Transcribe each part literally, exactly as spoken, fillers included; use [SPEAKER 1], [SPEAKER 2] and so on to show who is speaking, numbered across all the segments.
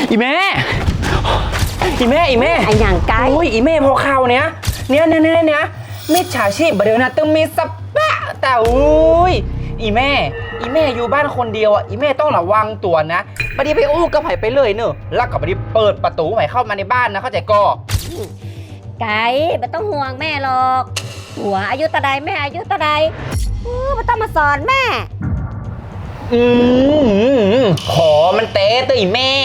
[SPEAKER 1] อีแม่อีแม่อีแม่
[SPEAKER 2] ไอ้อย่างไกล
[SPEAKER 1] โอ้ยอีแม่พอข่าวเนี้ยเนี้ยเนี้ยเนี้ยเนี้ยมิจฉาชีพบเดี๋ยวนะต้องมีสปะแต่อุ้ยอีแม่อีแม่อยู่บ้านคนเดียวอ่ะอีแม่ต้องระวังตัวนะบัดนี้ไปอู้กับไผ่ไปเลยเนอะแล้วก็บัดนี้เปิดประตูไผ่เข้ามาในบ้านนะเข้าใจก็
[SPEAKER 2] ไก่ไม่ต้องห่วงแม่หรอกหัวอายุตะใดแม่อายุตะใดไม่ต้องมาสอนแม่
[SPEAKER 1] อืมขอมันเตะตัวอีแม่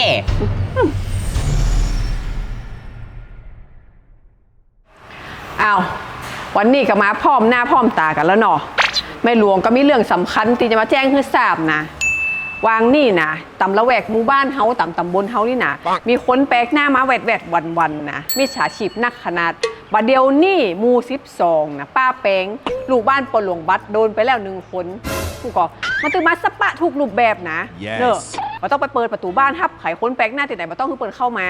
[SPEAKER 3] อ้าววันนี้ก็มาพร้อมหน้าพร้อมตากันแล้วเนาะแม่หลวงก็มีเรื่องสำคัญที่จะมาแจ้งให้ทราบนะวางนี่นะตำละแวกหมู่บ้านเฮาตำตำบลเฮานี่นะมีคนแปลกหน้ามาแวดแวดวันวันนะมิจฉาชีพนักขนาดบัดเดียวนี่มูสิบสองนะป้าแปงลูกบ้านปนหลวงบัตรโดนไปแล้วหนึ่งคนผู้ก่อมันตึงมาสปะทุกรูปแบบนะ yes. เนอะเราต้องไปเปิดประตูบ้านทับไขคนแปลกหน้าที่ไหนมาต้องคือเปิดเข้ามา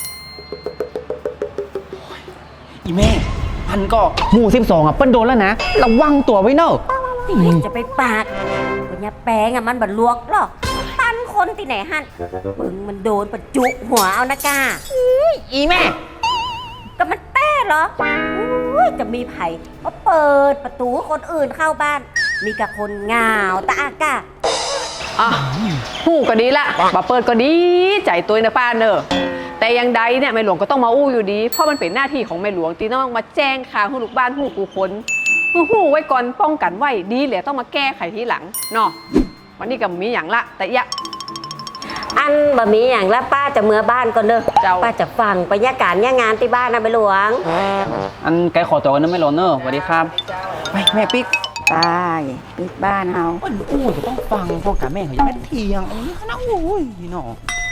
[SPEAKER 1] อีแม่พันก็หมู่สิบสองอ่ะเปิ้ลโดนแล้วนะระวังตัวไว้เนอะ
[SPEAKER 2] จะไปปากปัญญาแปงอ่ะมันบัดลวกหรอกตันคนที่ไหนฮั่นปึงมันโดนประจุหัวเอานะกา
[SPEAKER 1] อีแม่
[SPEAKER 2] ก็มันแต้เหรอจะมีไผ่มาเปิดประตูคนอื่นเข้าบ้านมีกับคนเหงาตาอากา
[SPEAKER 3] อ่ะหูก็ดีละมาเปิดก็ดีใจตัวนะป้าเนอะแต่ยังใดเนี่ยแม่หลวงก็ต้องมาอู้อยู่ดีเพราะมันเป็นหน้าที่ของแม่หลวงตีต้องมาแจ้งข่าวให้ลูกบ้านหูกูคนหูไว้ก่อนป้องกันไว้ดีเหลือต้องมาแก้ไขทีหลังเนาะวันนี้ก็มีอย่างละแต่ยะ
[SPEAKER 2] อันบะมีอย่างละป้าจะเมื่อบ้านก่อนเด้อป้าจะฟังบรรยากาศงานที่บ้านนะแม่หลวง
[SPEAKER 1] อันไกลขอตัวกันนะแม่หลวงเนอะสวัสดีครับไปแม่ปิ๊ก
[SPEAKER 4] ตายปิดบ้านเฮา
[SPEAKER 1] อ้โอ้จะต้องฟังพวกกับแม่เขาอย่าแม่เทียงอันนี้ขนาดโอ้ยเนาะ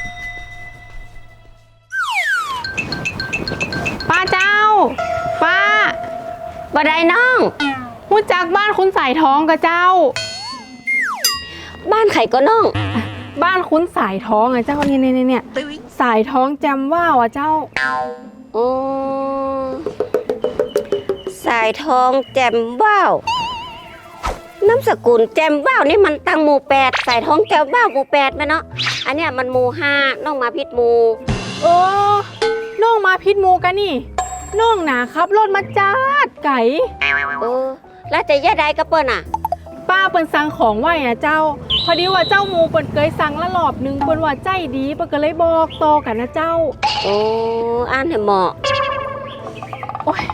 [SPEAKER 5] ป้าเจ้าป้า
[SPEAKER 2] บ่ได้น้อง
[SPEAKER 5] หูจักบ้านคุณสายท้องกับเจ้า
[SPEAKER 2] บ้านไข่ก็น้อง
[SPEAKER 5] บ้านคุณสายท้องอ่ะเจ้าเนี่ยเนี่ยเนี่ยสายท้องแจมว่าวอ่ะเจ้า
[SPEAKER 2] อือสายท้องแจมว่าวน้ำสกุลแจมว่าวนี่มันตั้งหมู่แปดสายท้องแจมว่าวหมู่แปดไหมเนาะอันเนี้ยมันหมู่ห้าน้องมาพิษหมู่
[SPEAKER 5] โอ้น้องมาพิษหมู่กันนี่น้องหนาครับรถมาจ้าดไก่
[SPEAKER 2] เออแล้วจะแย่ใดกับเปิ้ลอ่ะ
[SPEAKER 5] ป้าเปิ้ลสั่งของไว้อ่ะเจ้าพอดีว่าเจ้าหมูเปิ้ลเคยสั่งละรอบหนึ่งเปิ้ลว่าใจดีเปิ้ลก็เลยบอกต่อกันนะเจ้า
[SPEAKER 2] โอ้อ่านให้เหมาะ
[SPEAKER 5] โอ้ย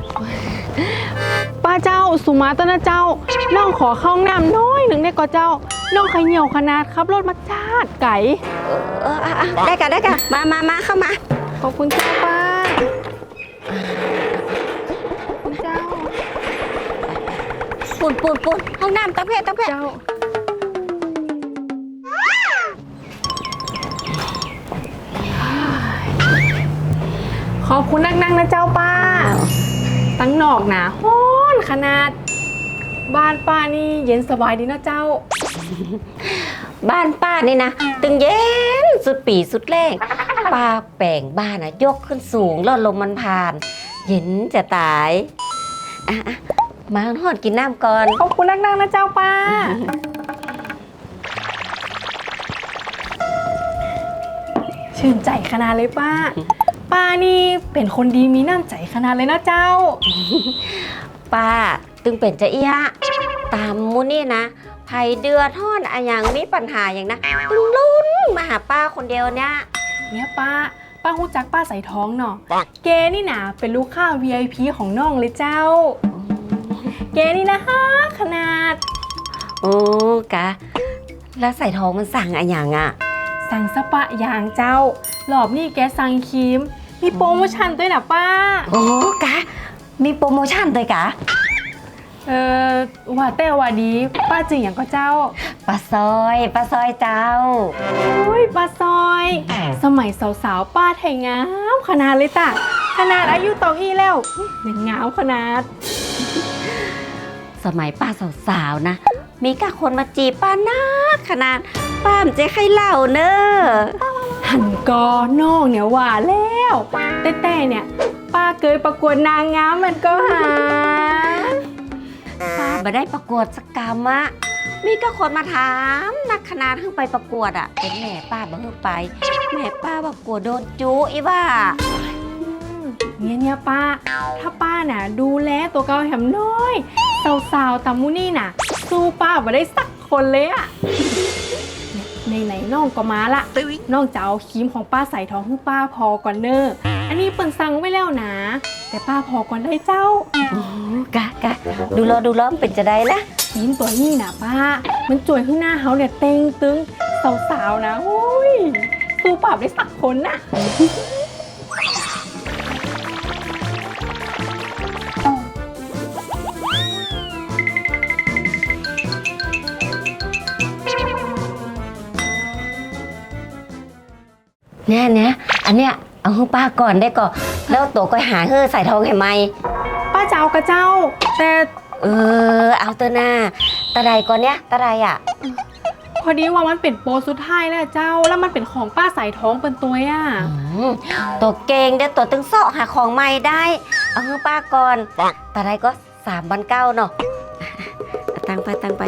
[SPEAKER 5] ป้าเจ้าสุมาตนะเจ้าน้องขอเข้าห้องน้ำน้อยหนึ่งได้ก็เจ้าน้องใครเหนียวขนาดครับรถมาจ้าดไก่
[SPEAKER 2] เออได้กันได้กันมามามาเข้ามา
[SPEAKER 5] ขอบคุณเจ้าป้าคุณเจ้า
[SPEAKER 2] ปุ่นปุ่นปุ่นห้องน้ำตั้งเพศตั้งเพศ
[SPEAKER 5] เจ้าขอบคุณนักนั่งนะเจ้าป้าตั้งนอกหนาฮ้อนขนาดบ้านป้านี่เย็นสบายดีเนาะเจ้า
[SPEAKER 2] บ้านป้านี่นะตึงเย็นสุดปีสุดแรงป้าแปลงบ้านนะยกขึ้นสูงแล้วลมมันผ่านเย็นจะตายอ่ะมาทอดกินน้ำก่อน
[SPEAKER 5] ขอบคุณนักนั่งนะเจ้าป้าชื่นใจขนาดเลยป้าป้านี่เป็นคนดีมีน้ำใจขนาดเลยนะเจ้า
[SPEAKER 2] ป้าตึงเป็นจะเอี้ยตามมูนี่นะไผ่เดือทอดอะอย่างมีปัญหาอย่างนะตึงลุ้นมาหาป้าคนเดียวเนี่ย
[SPEAKER 5] เนี่ยป้าป้าหูจักป้าใส่ท้องเนาะแกนี่นะเป็นลูกค้า วี ไอ พี ของน้องเลยเจ้าแกนี่นะฮะขนาด
[SPEAKER 2] โอ้กะแล้วใส่ท้องมันสั่งอะอย่างอะ
[SPEAKER 5] สั่งสปะอย่างเจ้ารอบนี้แกสั่งครีมมีโปรโมชั่นด้วยนะป้า
[SPEAKER 2] โอ้กะมีโปรโมชั่นด้วยกะ
[SPEAKER 5] เออว่าแต่ว่าดีป้าจึงอย่างก็เจ้า
[SPEAKER 2] ป้าซอยป้าซอยเจ้า
[SPEAKER 5] โอ้ยป้าซอยสมัยสาวๆป้าไทยงามขนาดเลยจ้ะขนาดอายุตองอีแล้วยังงามขนาด
[SPEAKER 2] สมัยป้าสาวๆนะมีกะคนมาจีบป้านักขนาดป้ามจะให้เล่าเนอะ
[SPEAKER 5] หันกอน้องเนี่ยว่าแล้วแต่แต่เนี่ยป้าเคยประกวดนางงามมันก็หา
[SPEAKER 2] ป้ามาได้ประกวดสักกรรมอะมีก็คนมาถามนักขนาดเพิ่งไปประกวดอ่ะเป็นแม่ป้าบ่เพิ่งไป แม่ป้าบอกกลัวโดนจูอีว่า
[SPEAKER 5] เนี่ยเนี่ยป้า ถ้าป้าน่ะดูแลตัวเกาแหมน้อยสาวๆตามูนี่น่ะ สู้ป้าบ่ได้สักคนเลยอะในไหนๆน้องก็มาละน้องจะเอาครีมของป้าใส่ท้องให้ป้าพอก่อนเนอะอันนี้เปิ่นสั่งไว้แล้วนะ แต่ป้าพอก่อนได้เจ้า
[SPEAKER 2] กะกะดูรอดูรอมนเป็นจะได้ละ
[SPEAKER 5] ครีมตัวนี้นะป้า มันจ่วยข้างหน้าเฮาเนี่ยเต็งตึงสาวๆนะโอ้ยสู้ป้าได้สักคนน่ะ
[SPEAKER 2] เนี่ยเนี่ยอันเนี้ยเอาให้ป้าก่อนได้ก่อนแล้วตัวก็หาเฮ้อใส่ทองให้ไหม
[SPEAKER 5] ป้าจะเอากระเจ้า แต่
[SPEAKER 2] เออเอาเตอหน้าตะไดก่อนเนี้ยตะไดอ่ะ
[SPEAKER 5] พอดีว่ามันเป็นโปรสุดท้ายแล้วเจ้า แล้วมันเป็นของป้าใส่ท้องเป็นตัวอ่ะ
[SPEAKER 2] อืมตัวเก่งเดี๋ยวตัวตึงเสาะหาของใหม่ได้ เอาให้ป้าก่อนตะไดก็สามพันเก้าเนาะเอาตังไปตังไป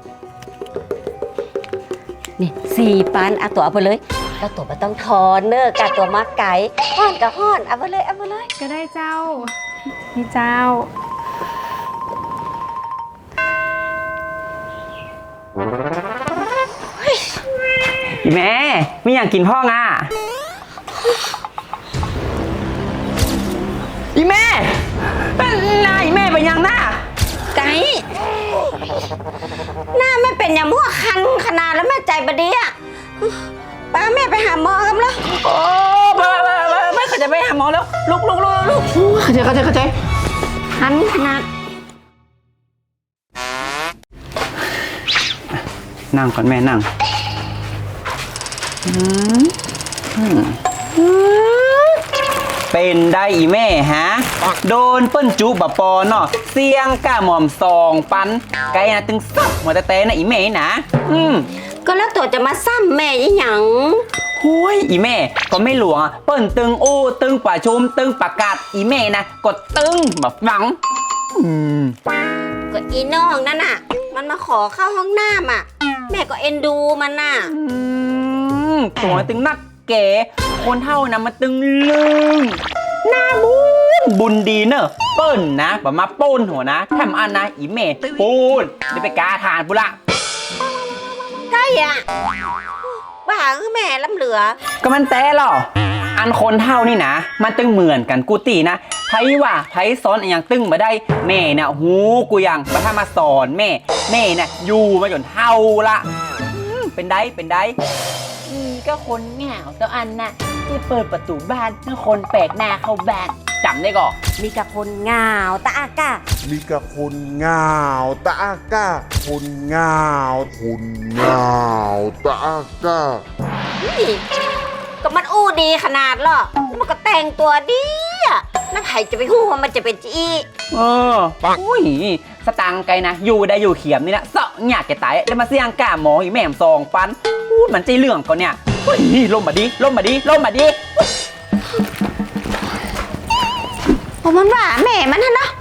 [SPEAKER 2] นี่สี่ปันเอาตัวเอาไปเลยแล้วตัวไม่ต้องทอนเนอะกาตัวมาไก่ห้อนกับห้อนเอาไปเลยเอาไปเลย
[SPEAKER 5] ก็ได้เจ้า นี่เจ้า
[SPEAKER 1] อีแม่ไม่อยากกินพ่องอ่ะอีแม่เป็นนายอีแม่เป็นยังหน้า
[SPEAKER 2] ไก่หน้าไม่เป็นอย่างมั่วคันขนาดแล้วแม่ใจบดีอ่ะป้าแม่ไปหาหมอกันแล้ว
[SPEAKER 1] โอ้ไม่ไม่ไม่ไม่เขาจะไปหาหมอแล้วลุกลุกลุกลุกเข้าใจเข้าใจเข้าใจ
[SPEAKER 2] คันขนาด
[SPEAKER 1] นั่งก่อนแม่นั่งเป็นได้อีแม่ฮะโดนเปิ้นจุบะปอเนาะเสียงก้าหม่อมซองปันไกนะตึงซับหัวแต่แต่นะอีแม่นะอืม
[SPEAKER 2] ก็แล้วตัวจะมาซ้ำแม่ยี่หยัง
[SPEAKER 1] หุยอีแม่ก็ไม่หลวงอะเปิ้นตึงโอ้ตึงป่าชมตึงประกาศอีแม่นะกดตึงแบบฟังอืม
[SPEAKER 2] ก็อีน้องนั่นน่ะ มันมาขอเข้าห้องน้ำอ่ะ แม่ก็เอ็นดูมันน่ะ
[SPEAKER 1] อืมตัวตึงนักเก๋คนเท่านะมันตึงลึงหน้าบุญบุญดีเนอะเปิ้นนะแบบมาป้นหัวนะทำอันนะอีแม่ปูนเดี๋ยวไปกาทานปุละ
[SPEAKER 2] ใกล้อ่ะบ้าคือแม่ล้ำเหลือ
[SPEAKER 1] ก็มันแต่หรออันคนเท่านี่นะมันตึงเหมือนกันกูตีนะไพว่าไพสอนอย่างตึงมาได้แม่น่ะหูกูยังมาถ้ามาสอนแม่แม่น่ะอยู่มาจนเท่าละอืมเป็นได้เป็นได้อืมก็คนเหงาตัวอันน่ะที่เปิดประตูบ้านให้คนแปลกหน้าเข้าบ้านจำได้ก่อน
[SPEAKER 2] มีกับคนเหงาตาอากา
[SPEAKER 6] มีกับคนงาวตะอาก้า คนงาวคนงาวตะอาก้า
[SPEAKER 2] นี่ก็มันอู้ดีขนาดหรอแล้วมันก็แต่งตัวดีอ่ะแล้วใครจะไปหู้ว่ามันจะเป็นจี
[SPEAKER 1] เอออุ้ยสตังค์ไกลนะอยู่ได้อยู่เขียมนี่นะเสาะอยากแกตายแล้วมาเสี่ยงกล้าหมออีแม่มซองปันพูดมันใจเรื่องก่อนเนี่ยเฮ้ยล่มมาดิล่มมาดิล่มมาดิ
[SPEAKER 2] เพราะมันว่าแม่มันนะเนาะ